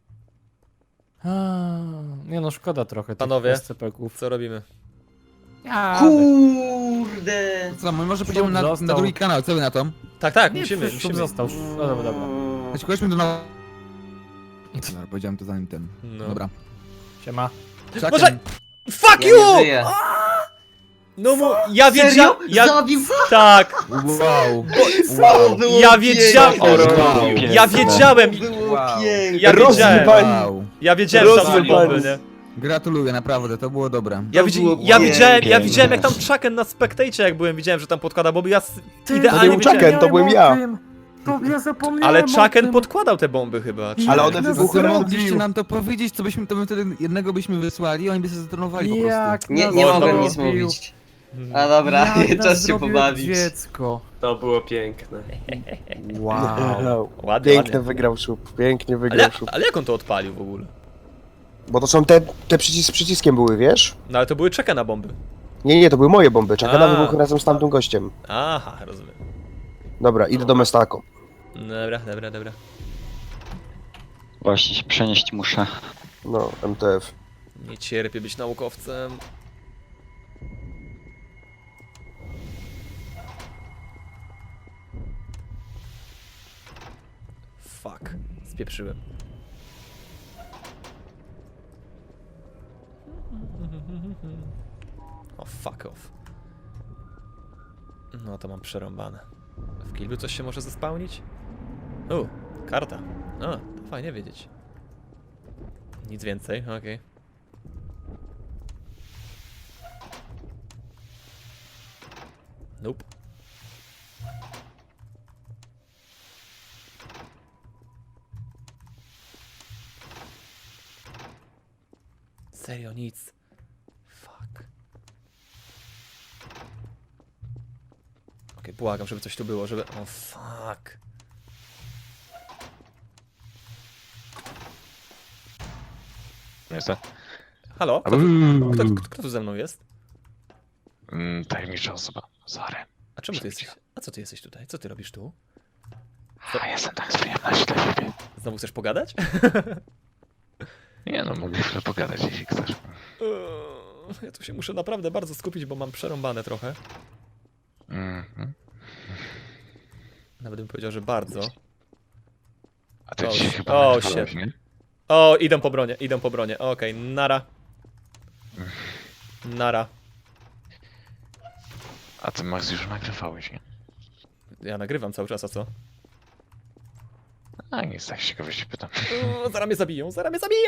[SPEAKER 5] A, nie no, szkoda trochę
[SPEAKER 2] Panowie.
[SPEAKER 5] tych S C P-ków.
[SPEAKER 2] Co robimy?
[SPEAKER 5] Ja,
[SPEAKER 1] Kurde.
[SPEAKER 6] Co, my może pójdziemy na,
[SPEAKER 5] został.
[SPEAKER 6] na drugi kanał, co wy na to?
[SPEAKER 2] Tak, tak,
[SPEAKER 5] nie,
[SPEAKER 2] musimy,
[SPEAKER 5] przecież Szub
[SPEAKER 2] musimy.
[SPEAKER 5] został. No dobra, dobra.
[SPEAKER 6] Znaczy, chodźmy do na... Dobra, powiedziałem to zanim ten.
[SPEAKER 2] No.
[SPEAKER 6] Dobra.
[SPEAKER 5] Siema.
[SPEAKER 6] Chucken.
[SPEAKER 2] Może- Fuck
[SPEAKER 1] Ja
[SPEAKER 2] you!
[SPEAKER 1] nie żyję.
[SPEAKER 2] No mu, ja
[SPEAKER 1] Serio?
[SPEAKER 2] wiedziałem, ja,
[SPEAKER 1] Zabił?
[SPEAKER 2] tak,
[SPEAKER 6] Wow.
[SPEAKER 1] To było
[SPEAKER 2] ja wiedziałem,
[SPEAKER 1] piękne.
[SPEAKER 6] Wow.
[SPEAKER 2] ja wiedziałem,
[SPEAKER 1] To było
[SPEAKER 6] Wow.
[SPEAKER 1] piękne.
[SPEAKER 2] ja wiedziałem,
[SPEAKER 6] Wow.
[SPEAKER 2] ja wiedziałem, że tam są
[SPEAKER 4] Rozrywani.
[SPEAKER 2] bomby, nie?
[SPEAKER 6] Gratuluję, naprawdę, to było dobre.
[SPEAKER 2] Ja,
[SPEAKER 1] To
[SPEAKER 2] widzi,
[SPEAKER 1] było
[SPEAKER 2] ja, widziałem, ja
[SPEAKER 1] piękne.
[SPEAKER 2] widziałem jak tam Chucken na Spectacie jak byłem, widziałem, że tam podkłada bomby, ja s-
[SPEAKER 4] To
[SPEAKER 2] idealnie
[SPEAKER 4] był
[SPEAKER 2] wiedziałem.
[SPEAKER 4] Chucken, to byłem ja.
[SPEAKER 5] To ja zapomniałem
[SPEAKER 2] Ale
[SPEAKER 5] o
[SPEAKER 2] Chucken
[SPEAKER 5] tym.
[SPEAKER 2] podkładał te bomby chyba. czy-
[SPEAKER 4] Ale one
[SPEAKER 6] No,
[SPEAKER 4] wybuchły
[SPEAKER 6] to
[SPEAKER 4] razem.
[SPEAKER 6] mogliście nam to powiedzieć, to byśmy to my wtedy jednego byśmy wysłali, oni by się zatronowali po prostu.
[SPEAKER 5] Jak
[SPEAKER 1] Nie,
[SPEAKER 5] nas
[SPEAKER 1] nie
[SPEAKER 2] O, to
[SPEAKER 1] mogłem
[SPEAKER 2] było-
[SPEAKER 1] nic mówić. A dobra,
[SPEAKER 5] Jak nas
[SPEAKER 1] czas się
[SPEAKER 5] zrobił
[SPEAKER 1] pobawić.
[SPEAKER 5] dziecko.
[SPEAKER 3] To było piękne.
[SPEAKER 5] Wow.
[SPEAKER 2] Ładnie,
[SPEAKER 4] Pięknie
[SPEAKER 2] ładnie.
[SPEAKER 4] wygrał Szup, pięknie
[SPEAKER 2] Ale,
[SPEAKER 4] wygrał
[SPEAKER 2] jak-
[SPEAKER 4] Szup.
[SPEAKER 2] ale jak on to odpalił w ogóle?
[SPEAKER 4] Bo to są te, te przycis z przyciskiem były, wiesz?
[SPEAKER 2] No ale to były Chuckena bomby.
[SPEAKER 4] Nie, nie, to były moje bomby. Czekana
[SPEAKER 2] A.
[SPEAKER 4] wybuchł razem z tamtym gościem.
[SPEAKER 2] Aha, rozumiem.
[SPEAKER 4] Dobra, idę do Mestako.
[SPEAKER 2] Dobra, dobra, dobra.
[SPEAKER 7] Właśnie się przenieść muszę.
[SPEAKER 4] No, M T F.
[SPEAKER 2] Nie cierpię być naukowcem. Fuck, spieprzyłem. O, fuck off. No to mam przerąbane. W Kilby coś się może zespałnić? U, karta. A, to fajnie wiedzieć. Nic więcej, okej. Nope. Serio, nic. Fuck. Okej, błagam, żeby coś tu było, żeby... O, fuck.
[SPEAKER 7] Jestem.
[SPEAKER 2] Halo? Kto, tu-
[SPEAKER 7] Uuu.
[SPEAKER 2] kto, kto, kto tu ze mną jest?
[SPEAKER 7] Mm, tajemnicza osoba. Zary.
[SPEAKER 2] A czemu ty
[SPEAKER 7] Przebić
[SPEAKER 2] jesteś? A co ty jesteś tutaj? Co ty robisz tu?
[SPEAKER 7] A jestem tak z przyjemności dla ciebie.
[SPEAKER 2] Znowu chcesz pogadać?
[SPEAKER 7] Nie no, mogę chwilę pogadać, jeśli chcesz.
[SPEAKER 2] Eee, Ja tu się muszę naprawdę bardzo skupić, bo mam przerąbane trochę.
[SPEAKER 7] Mhm.
[SPEAKER 2] Nawet bym powiedział, że bardzo.
[SPEAKER 7] A ty
[SPEAKER 2] O,
[SPEAKER 7] dzisiaj
[SPEAKER 2] shit.
[SPEAKER 7] chyba
[SPEAKER 2] O,
[SPEAKER 7] nagrywałeś,
[SPEAKER 2] shit.
[SPEAKER 7] nie?
[SPEAKER 2] O, idą po bronie, idą po bronie. Okej, nara. Nara.
[SPEAKER 7] A ty Max już nagrywałeś, nie?
[SPEAKER 2] Ja nagrywam cały czas, a co?
[SPEAKER 7] A nic, tak z ciekawości pytam.
[SPEAKER 2] O, zaraz mnie zabiją, zaraz mnie zabiją!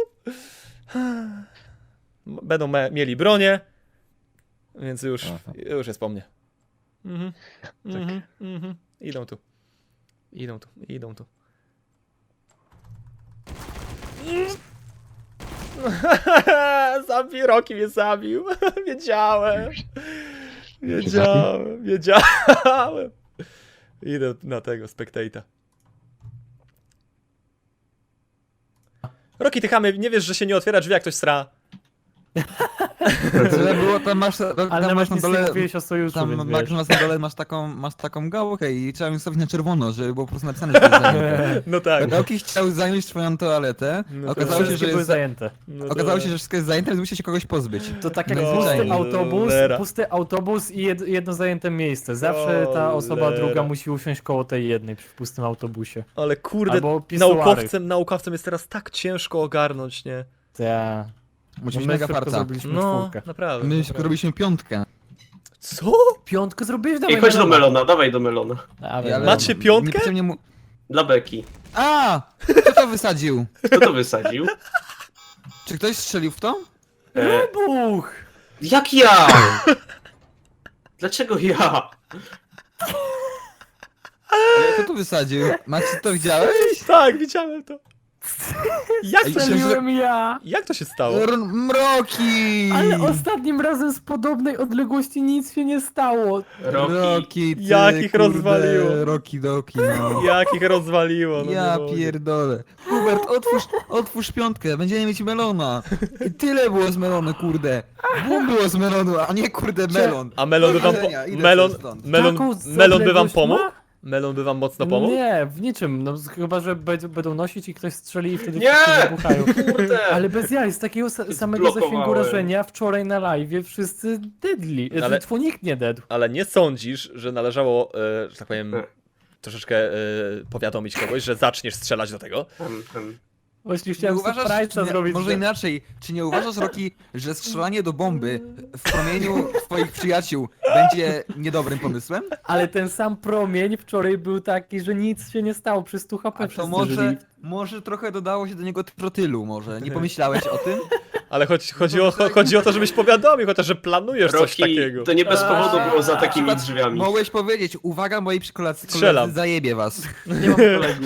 [SPEAKER 2] Będą me- mieli bronię, więc już,
[SPEAKER 7] Aha.
[SPEAKER 2] już jest po mnie. Mhm, mhm, mhm. Idą tu. Idą tu, idą tu. Zabił, Rocky mnie zabił. Wiedziałem. Wiedziałem, wiedziałem. Idę na tego, Spectate'a. Rocky, ty chamy, nie wiesz, że się nie otwiera drzwi, jak ktoś sra.
[SPEAKER 6] Tyle było, tam masz,
[SPEAKER 5] Ale
[SPEAKER 6] tam masz
[SPEAKER 5] nawet
[SPEAKER 6] na
[SPEAKER 5] nic nie
[SPEAKER 6] dole...
[SPEAKER 5] mówiłeś o sojuszu,
[SPEAKER 6] Tam
[SPEAKER 5] więc
[SPEAKER 6] Max,
[SPEAKER 5] wiesz.
[SPEAKER 6] masz na dole masz taką, masz taką gałkę i trzeba ją stawić na czerwono, żeby było po prostu napisane, że to jest zajęte.
[SPEAKER 2] No tak.
[SPEAKER 6] Rocky chciał zająć swoją toaletę,
[SPEAKER 2] No to
[SPEAKER 6] okazało się,
[SPEAKER 5] Wszystkie
[SPEAKER 6] że
[SPEAKER 5] były
[SPEAKER 6] jest,
[SPEAKER 5] zajęte.
[SPEAKER 2] No
[SPEAKER 6] okazało
[SPEAKER 2] dobra.
[SPEAKER 6] się, że wszystko jest zajęte, więc musi się kogoś pozbyć.
[SPEAKER 5] To tak jak
[SPEAKER 6] No,
[SPEAKER 5] pusty
[SPEAKER 6] cholera.
[SPEAKER 5] autobus, pusty autobus i jed, jedno zajęte miejsce. Zawsze ta osoba
[SPEAKER 2] Cholera.
[SPEAKER 5] druga musi usiąść koło tej jednej przy pustym autobusie.
[SPEAKER 2] Ale kurde,
[SPEAKER 5] Albo pisuary.
[SPEAKER 2] naukowcem, naukowcem jest teraz tak ciężko ogarnąć, nie?
[SPEAKER 5] Ta.
[SPEAKER 6] Musi
[SPEAKER 5] No
[SPEAKER 6] być
[SPEAKER 5] my
[SPEAKER 6] mega
[SPEAKER 5] szybko
[SPEAKER 6] farta.
[SPEAKER 5] zrobiliśmy
[SPEAKER 2] No,
[SPEAKER 5] czwórkę.
[SPEAKER 2] naprawdę.
[SPEAKER 6] My
[SPEAKER 2] naprawdę.
[SPEAKER 6] robiliśmy piątkę.
[SPEAKER 2] Co?
[SPEAKER 5] Piątkę zrobiłeś?
[SPEAKER 3] Ej,
[SPEAKER 5] Dawaj
[SPEAKER 3] chodź do
[SPEAKER 5] melona.
[SPEAKER 3] Melona, dawaj do Melona.
[SPEAKER 5] Dawaj,
[SPEAKER 6] Ale
[SPEAKER 2] Macie piątkę?
[SPEAKER 6] niepotrzebnie mu...
[SPEAKER 3] Dla Beki.
[SPEAKER 6] A! Kto to wysadził?
[SPEAKER 3] Kto to wysadził?
[SPEAKER 6] Czy ktoś strzelił w to?
[SPEAKER 3] E,
[SPEAKER 5] Buch!
[SPEAKER 3] jak ja? Dlaczego ja?
[SPEAKER 6] Ale kto to wysadził? Macie to widziałeś?
[SPEAKER 2] Tak, widziałem to. Jak
[SPEAKER 6] Ej,
[SPEAKER 2] to się,
[SPEAKER 5] Strzeliłem ja!
[SPEAKER 2] jak to się stało?
[SPEAKER 6] R- Mroki!
[SPEAKER 5] Ale ostatnim razem z podobnej odległości nic się nie stało.
[SPEAKER 3] Rocky.
[SPEAKER 6] Roki, ty,
[SPEAKER 2] Jak ich
[SPEAKER 6] kurde,
[SPEAKER 2] rozwaliło.
[SPEAKER 6] Roki doki, no.
[SPEAKER 2] Jak ich rozwaliło, no
[SPEAKER 6] Ja
[SPEAKER 2] nie mogę.
[SPEAKER 6] pierdolę. Hubert, otwórz, otwórz piątkę, będziemy mieć melona. I tyle było z melonu, kurde. Bum było z melonu, a nie kurde melon.
[SPEAKER 2] A melon by wam, po...
[SPEAKER 6] Powodzenia, idę
[SPEAKER 2] melon,
[SPEAKER 6] sobie stąd.
[SPEAKER 2] melon,
[SPEAKER 5] Taką
[SPEAKER 2] melon by wam
[SPEAKER 5] odległość
[SPEAKER 2] pomógł?
[SPEAKER 5] ma?
[SPEAKER 2] Melon by wam mocno pomógł?
[SPEAKER 5] Nie, w niczym. No, z- chyba, że będą, będą nosić i ktoś strzeli i wtedy
[SPEAKER 3] Nie!
[SPEAKER 5] wszyscy wybuchają.
[SPEAKER 3] Kurde!
[SPEAKER 5] Ale bez jaj, z takiego sa samego zasięgu
[SPEAKER 3] Zblokowałem.
[SPEAKER 5] rażenia wczoraj na live wszyscy deadli.
[SPEAKER 2] Ale-
[SPEAKER 5] Ale tfu, nikt nie dead.
[SPEAKER 2] Ale nie sądzisz, że należało, e, że tak powiem,
[SPEAKER 3] E.
[SPEAKER 2] troszeczkę e, powiadomić kogoś, że zaczniesz strzelać do tego?
[SPEAKER 3] Em, em.
[SPEAKER 5] Właśnie
[SPEAKER 6] Nie
[SPEAKER 5] chciałem
[SPEAKER 6] uważasz,
[SPEAKER 5] surprise'a
[SPEAKER 6] nie,
[SPEAKER 5] zrobić.
[SPEAKER 6] może
[SPEAKER 5] że-
[SPEAKER 6] inaczej, czy nie uważasz, Roki, że strzelanie do bomby w promieniu twoich przyjaciół będzie niedobrym pomysłem?
[SPEAKER 5] Ale ten sam promień wczoraj był taki, że nic się nie stało. Przez stu H P
[SPEAKER 6] A to
[SPEAKER 5] wszyscy
[SPEAKER 6] może,
[SPEAKER 5] żyli.
[SPEAKER 6] może trochę dodało się do niego trotylu, może. Nie pomyślałeś o tym?
[SPEAKER 2] Ale chodzi, chodzi, o, chodzi o to, żebyś powiadomił, chociaż, że planujesz coś
[SPEAKER 3] Rocky,
[SPEAKER 2] takiego.
[SPEAKER 3] to nie bez powodu było za takimi
[SPEAKER 6] Przykład,
[SPEAKER 3] drzwiami.
[SPEAKER 6] Mogłeś powiedzieć, uwaga moi przykolacy,
[SPEAKER 2] Strzelam.
[SPEAKER 6] koledzy, zajebie was.
[SPEAKER 5] Nie mam kolegów.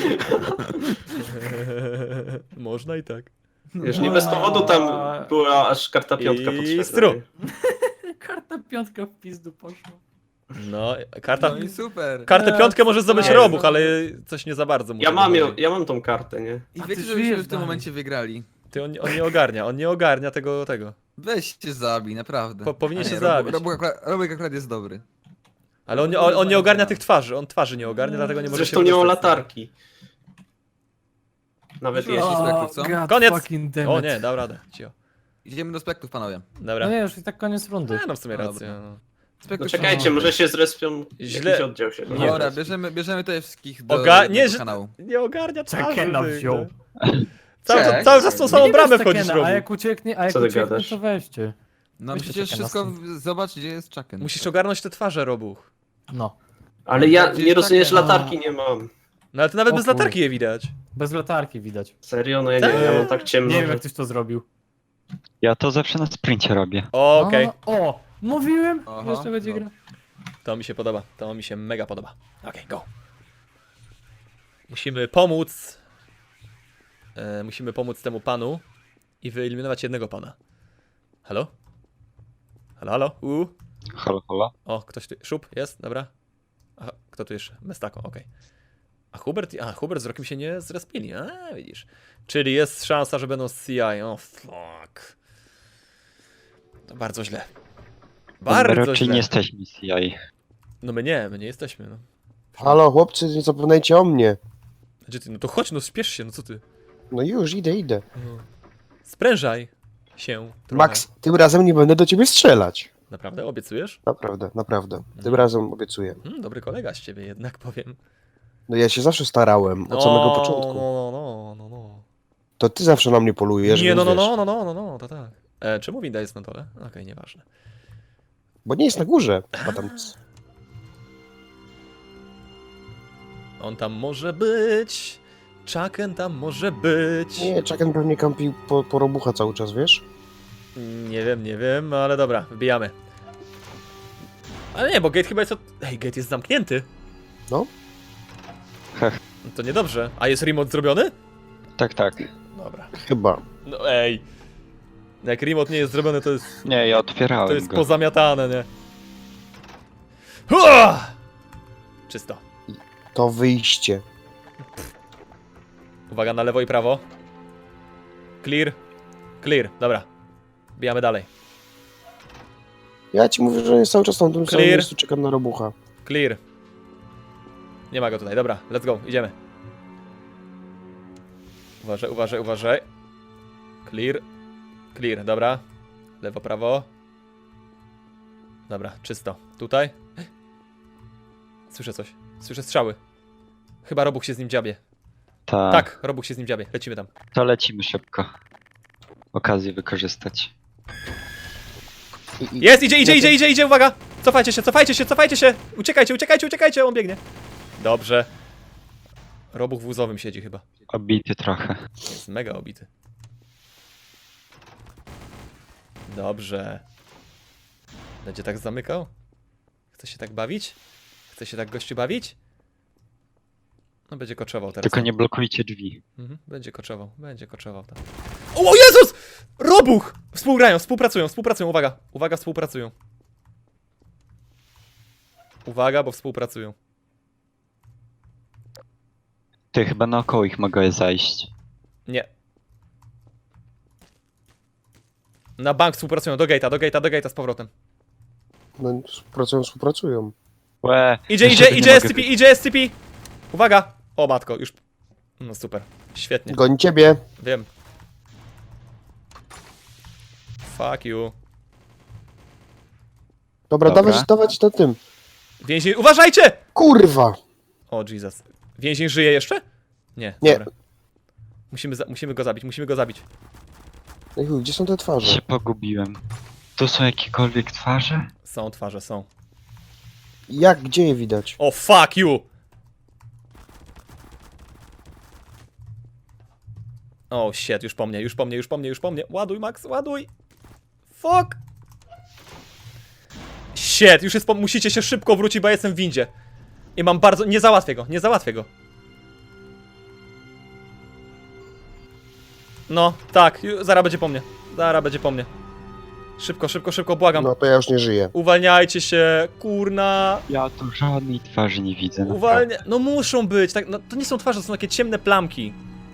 [SPEAKER 2] Można i tak.
[SPEAKER 3] Wiesz, nie bez powodu tam była aż karta piątka
[SPEAKER 2] I
[SPEAKER 3] potrzebna.
[SPEAKER 2] stru.
[SPEAKER 3] nie?
[SPEAKER 5] Karta piątka w pizdu poszła.
[SPEAKER 2] No, karta,
[SPEAKER 6] No i super.
[SPEAKER 2] kartę
[SPEAKER 5] No,
[SPEAKER 2] piątkę może zdobyć
[SPEAKER 3] nie,
[SPEAKER 2] robuch,
[SPEAKER 6] no.
[SPEAKER 2] ale coś nie za bardzo mu
[SPEAKER 3] Ja
[SPEAKER 2] tego
[SPEAKER 3] mam, ją,
[SPEAKER 2] chodzi.
[SPEAKER 3] ja mam tą kartę, nie?
[SPEAKER 6] I
[SPEAKER 5] A
[SPEAKER 6] wiecie,
[SPEAKER 5] ty
[SPEAKER 6] że byśmy
[SPEAKER 5] żyjesz
[SPEAKER 6] w tym
[SPEAKER 5] dalej.
[SPEAKER 6] momencie wygrali.
[SPEAKER 2] Ty, on, on nie ogarnia, on nie ogarnia tego, tego.
[SPEAKER 6] Weź się zabij, naprawdę.
[SPEAKER 2] Po- powinien
[SPEAKER 6] A
[SPEAKER 2] się
[SPEAKER 6] nie,
[SPEAKER 2] zabić.
[SPEAKER 6] Robek akurat, Robek akurat jest dobry.
[SPEAKER 2] Ale on, nie- on, on nie ogarnia tych twarzy, on twarzy nie ogarnia, dlatego nie może
[SPEAKER 3] Zresztą
[SPEAKER 2] się
[SPEAKER 3] nie mam
[SPEAKER 2] dostać.
[SPEAKER 3] latarki. Nawet
[SPEAKER 6] O,
[SPEAKER 3] jeśli.
[SPEAKER 6] Spektrów, co?
[SPEAKER 5] God
[SPEAKER 2] Koniec!
[SPEAKER 5] fucking damn
[SPEAKER 2] O
[SPEAKER 5] it.
[SPEAKER 2] nie, dał radę, cio.
[SPEAKER 6] Idziemy do spektów, panowie.
[SPEAKER 2] Dobra.
[SPEAKER 5] No nie, już i tak koniec rundy.
[SPEAKER 2] A, no w sumie
[SPEAKER 6] Dobra.
[SPEAKER 2] rację. No.
[SPEAKER 3] No
[SPEAKER 6] Spektów
[SPEAKER 3] czekajcie, może się zrespią.
[SPEAKER 2] Źle-
[SPEAKER 3] Jakiś oddział się.
[SPEAKER 2] Nie.
[SPEAKER 6] Dobra, bierzemy, bierzemy tutaj wszystkich do
[SPEAKER 2] Oga-
[SPEAKER 6] jednego
[SPEAKER 2] nie, że-
[SPEAKER 6] kanału.
[SPEAKER 2] Nie ogarnia twarzy.
[SPEAKER 5] Czekena
[SPEAKER 2] tych,
[SPEAKER 5] wziął.
[SPEAKER 2] no. Cały,
[SPEAKER 3] Cześć.
[SPEAKER 2] cały czas tą samą
[SPEAKER 5] Nie
[SPEAKER 2] bramę
[SPEAKER 5] bierz
[SPEAKER 2] wchodzisz,
[SPEAKER 5] Tekena, a
[SPEAKER 2] robisz.
[SPEAKER 5] jak ucieknie, a jak
[SPEAKER 3] Co ty
[SPEAKER 5] ucieknie,
[SPEAKER 3] gadasz?
[SPEAKER 5] to weźcie.
[SPEAKER 6] No
[SPEAKER 5] Weź
[SPEAKER 6] przecież
[SPEAKER 5] Tekena
[SPEAKER 6] wszystko,
[SPEAKER 5] stąd.
[SPEAKER 6] w- zobacz gdzie jest Chucken.
[SPEAKER 2] Musisz ogarnąć te twarze, robuch.
[SPEAKER 5] No.
[SPEAKER 3] Ale ja
[SPEAKER 6] Gdzie
[SPEAKER 3] nie
[SPEAKER 6] jest
[SPEAKER 3] rozumiesz,
[SPEAKER 6] takie-
[SPEAKER 3] latarki nie mam.
[SPEAKER 2] No ale to nawet
[SPEAKER 5] O
[SPEAKER 2] bez
[SPEAKER 5] chuj.
[SPEAKER 2] latarki je widać.
[SPEAKER 5] Bez latarki widać.
[SPEAKER 3] Serio? No ja nie wiem, ja mam tak ciemno.
[SPEAKER 5] Nie wiem
[SPEAKER 3] że-
[SPEAKER 5] jak ktoś to zrobił.
[SPEAKER 8] Ja to zawsze na sprincie robię.
[SPEAKER 2] Okej,
[SPEAKER 5] O, o, mówiłem!
[SPEAKER 6] Aha,
[SPEAKER 5] Jeszcze będzie
[SPEAKER 6] no.
[SPEAKER 5] gra.
[SPEAKER 2] to mi się podoba, to mi się mega podoba. Okej, go. Musimy pomóc. E, musimy pomóc temu panu i wyeliminować jednego pana. Halo? Halo, halo? U.
[SPEAKER 8] Halo, halo.
[SPEAKER 2] O, ktoś tu. Szup, jest, dobra. A kto tu jeszcze? Mestako, okej. A Hubert, a Hubert z Rokiem się nie zrespili, a widzisz. Czyli jest szansa, że będą z C I. O, fuck. To bardzo źle. Bardzo
[SPEAKER 8] Raczej
[SPEAKER 2] źle.
[SPEAKER 8] nie jesteśmy C I.
[SPEAKER 2] No my nie, my nie jesteśmy, no.
[SPEAKER 4] Halo, chłopcy, nie zapominajcie o mnie.
[SPEAKER 2] Gdzie ty? No to chodź, no spiesz się, no co ty?
[SPEAKER 4] No już, idę, idę.
[SPEAKER 2] No. Sprężaj się trochę.
[SPEAKER 4] Max, tym razem nie będę do ciebie strzelać.
[SPEAKER 2] Naprawdę? Obiecujesz?
[SPEAKER 4] Naprawdę, naprawdę. Tym
[SPEAKER 2] Mhm.
[SPEAKER 4] razem obiecuję.
[SPEAKER 2] Hmm, dobry kolega z ciebie jednak, powiem.
[SPEAKER 4] No ja się zawsze starałem, od samego
[SPEAKER 2] No,
[SPEAKER 4] początku.
[SPEAKER 2] No, no, no, no.
[SPEAKER 4] To ty zawsze na mnie polujesz,
[SPEAKER 2] Nie,
[SPEAKER 4] więc
[SPEAKER 2] no, no,
[SPEAKER 4] wiesz.
[SPEAKER 2] no, no, no, no, no, to tak. E, czemu winda jest na dole? Okej, nieważne.
[SPEAKER 4] Bo nie jest na górze. A tam...
[SPEAKER 2] On tam może być. Chucken tam może być.
[SPEAKER 4] Nie, Chucken pewnie kampi po, po robucha cały czas, wiesz?
[SPEAKER 2] Nie wiem, nie wiem, ale dobra, wbijamy. Ale nie, bo gate chyba jest od... Ej, gate jest zamknięty.
[SPEAKER 4] No.
[SPEAKER 8] Heh.
[SPEAKER 2] No to niedobrze. A jest remote zrobiony?
[SPEAKER 8] Tak, tak.
[SPEAKER 2] Dobra.
[SPEAKER 4] Chyba.
[SPEAKER 2] No ej. Jak remote nie jest zrobiony, to jest...
[SPEAKER 8] Nie, ja otwierałem
[SPEAKER 2] To jest
[SPEAKER 8] go.
[SPEAKER 2] pozamiatane, nie? Hua! Czysto.
[SPEAKER 4] To wyjście.
[SPEAKER 2] Uwaga na lewo i prawo. Clear. Clear, dobra. Bijamy dalej.
[SPEAKER 4] Ja ci mówię, że jest cały czas na tym samym
[SPEAKER 2] Clear.
[SPEAKER 4] miejscu, czekam na robucha.
[SPEAKER 2] Clear. Nie ma go tutaj, dobra, let's go, idziemy. Uważaj, uważaj, uważaj. Clear. Clear, dobra. Lewo, prawo. Dobra, czysto. Tutaj. Słyszę coś. Słyszę strzały. Chyba Robuch się z nim dziabie.
[SPEAKER 8] Ta,
[SPEAKER 2] Tak, Robuch się z nim dziabie. Lecimy tam.
[SPEAKER 8] To lecimy szybko. Okazję wykorzystać.
[SPEAKER 4] I, i...
[SPEAKER 2] Jest, idzie, idzie, idzie, idzie, idzie, uwaga! Cofajcie się, cofajcie się, cofajcie się! Uciekajcie, uciekajcie, uciekajcie, on biegnie. Dobrze. Robuch w łzowym siedzi chyba.
[SPEAKER 8] Obity trochę.
[SPEAKER 2] Jest mega obity. Dobrze. Będzie tak zamykał? Chce się tak bawić? Chce się tak gościu bawić? No będzie koczował teraz.
[SPEAKER 8] Tylko nie blokujcie drzwi.
[SPEAKER 2] Mhm, będzie koczował, będzie koczował tam. O, o Jezus! Robuch! Współgrają, współpracują, współpracują, uwaga. Uwaga, współpracują. Uwaga, bo współpracują.
[SPEAKER 8] Ty, chyba naokoło ich mogę zajść.
[SPEAKER 2] Nie. Na bank współpracują, do gate'a, do gate'a, do gate'a z powrotem.
[SPEAKER 4] No, współpracują, współpracują.
[SPEAKER 8] Łe,
[SPEAKER 2] Idzie,
[SPEAKER 8] jeszcze
[SPEAKER 2] idzie,
[SPEAKER 8] nie
[SPEAKER 2] idzie
[SPEAKER 8] mogę
[SPEAKER 2] S C P, idzie S C P! Uwaga! O matko, już... No super, świetnie,
[SPEAKER 4] Goni ciebie.
[SPEAKER 2] wiem. Fuck you.
[SPEAKER 4] Dobra,
[SPEAKER 8] Dobra.
[SPEAKER 4] dawać, dawać na tym.
[SPEAKER 2] Więzień, uważajcie!
[SPEAKER 4] Kurwa!
[SPEAKER 2] O Jesus. Więzień żyje jeszcze? Nie,
[SPEAKER 4] Nie.
[SPEAKER 2] dobra. Musimy, za musimy go zabić, musimy go zabić.
[SPEAKER 4] No i chuj, gdzie są te twarze?
[SPEAKER 8] się pogubiłem. Tu są jakiekolwiek twarze?
[SPEAKER 2] Są twarze, są.
[SPEAKER 4] Jak, gdzie je widać?
[SPEAKER 2] O fuck you! O shit, już po mnie, już po mnie, już po mnie, już po mnie. Ładuj, Max, ładuj! Fuck! Shit, już jest po... Musicie się szybko wrócić, bo ja jestem w windzie. I mam bardzo... Nie załatwię go, nie załatwię go. No, tak, ju- zaraz będzie po mnie. Zaraz będzie po mnie. Szybko, szybko, szybko, błagam.
[SPEAKER 4] No to ja już nie żyję.
[SPEAKER 2] Uwalniajcie się, kurna.
[SPEAKER 8] Ja tu żadnej twarzy nie widzę. naprawdę.
[SPEAKER 2] Uwalnia... No muszą być, tak, no, to nie są twarze, to są takie ciemne plamki.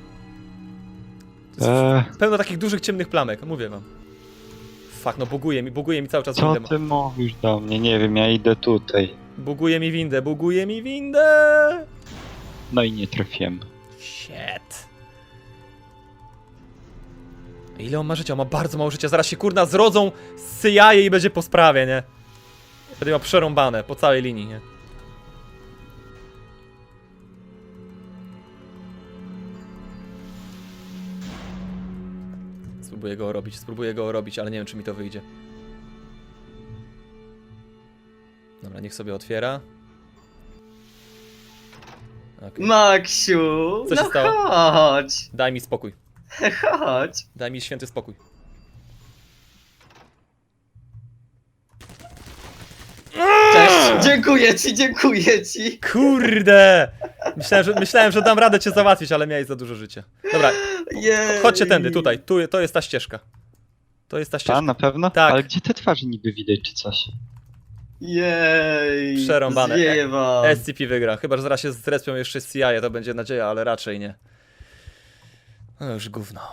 [SPEAKER 2] To jest
[SPEAKER 8] Eee,
[SPEAKER 2] pełno takich dużych ciemnych plamek, mówię wam. Fuck, no buguje mi, buguje mi cały czas
[SPEAKER 8] co
[SPEAKER 2] windę.
[SPEAKER 8] ty mówisz do mnie? Nie wiem, ja idę tutaj.
[SPEAKER 2] Buguje mi windę, buguje mi windę!
[SPEAKER 8] No i nie trafiłem.
[SPEAKER 2] Shit. Ile on ma życia? On ma bardzo mało życia. Zaraz się kurna zrodzą z C I A i będzie po sprawie, nie? Będzie miał przerąbane po całej linii, nie? Spróbuję go robić, spróbuję go robić, ale nie wiem, czy mi to wyjdzie. Dobra, niech sobie otwiera. Okej.
[SPEAKER 1] Maksiu,
[SPEAKER 2] Co się
[SPEAKER 1] no
[SPEAKER 2] stało?
[SPEAKER 1] chodź,
[SPEAKER 2] Daj mi spokój.
[SPEAKER 1] chodź.
[SPEAKER 2] Daj mi święty spokój.
[SPEAKER 1] Cześć, dziękuję ci, dziękuję ci.
[SPEAKER 2] Kurde! Myślałem, że, myślałem, że dam radę cię załatwić, ale miałeś za dużo życia. Dobra,
[SPEAKER 1] Jej.
[SPEAKER 2] chodźcie tędy, tutaj. Tu, to jest ta ścieżka. To jest ta ścieżka.
[SPEAKER 8] A, na pewno?
[SPEAKER 2] Tak.
[SPEAKER 8] Ale gdzie te twarze niby widać, czy coś?
[SPEAKER 1] Jej.
[SPEAKER 2] Przerąbane.
[SPEAKER 1] Zwieje wam.
[SPEAKER 2] S C P wygra, chyba że zaraz się zrespią jeszcze z C I A, to będzie nadzieja, ale raczej nie. No już gówno.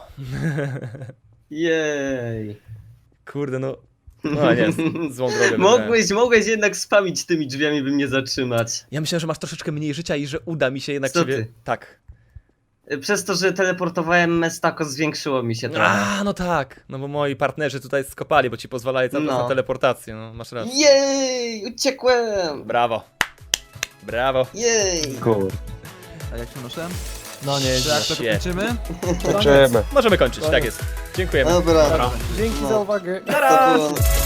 [SPEAKER 1] Jej.
[SPEAKER 2] Kurde, no... No nie, z- złą drogę wybrałem.
[SPEAKER 1] Mogłeś, mogłeś jednak spamić tymi drzwiami, by mnie zatrzymać.
[SPEAKER 2] Ja myślałem, że masz troszeczkę mniej życia i że uda mi się jednak
[SPEAKER 1] Co
[SPEAKER 2] ciebie...
[SPEAKER 1] ty?
[SPEAKER 2] Tak.
[SPEAKER 1] Przez to, że teleportowałem Mestako, zwiększyło mi się trochę.
[SPEAKER 2] A, no tak. No bo moi partnerzy tutaj skopali, bo ci pozwalali cały czas
[SPEAKER 1] No.
[SPEAKER 2] na teleportację, no masz rację.
[SPEAKER 1] Jej! Uciekłem!
[SPEAKER 2] Brawo. Brawo.
[SPEAKER 1] Jej!
[SPEAKER 8] Kur.
[SPEAKER 6] A jak się noszę?
[SPEAKER 5] No nie,
[SPEAKER 6] To jak to
[SPEAKER 2] się.
[SPEAKER 6] kończymy?
[SPEAKER 4] Zobaczymy.
[SPEAKER 2] Możemy kończyć, tak jest. Dziękujemy.
[SPEAKER 1] Dobra.
[SPEAKER 3] Dobra.
[SPEAKER 5] Dzięki
[SPEAKER 1] No.
[SPEAKER 5] za uwagę.
[SPEAKER 1] To było...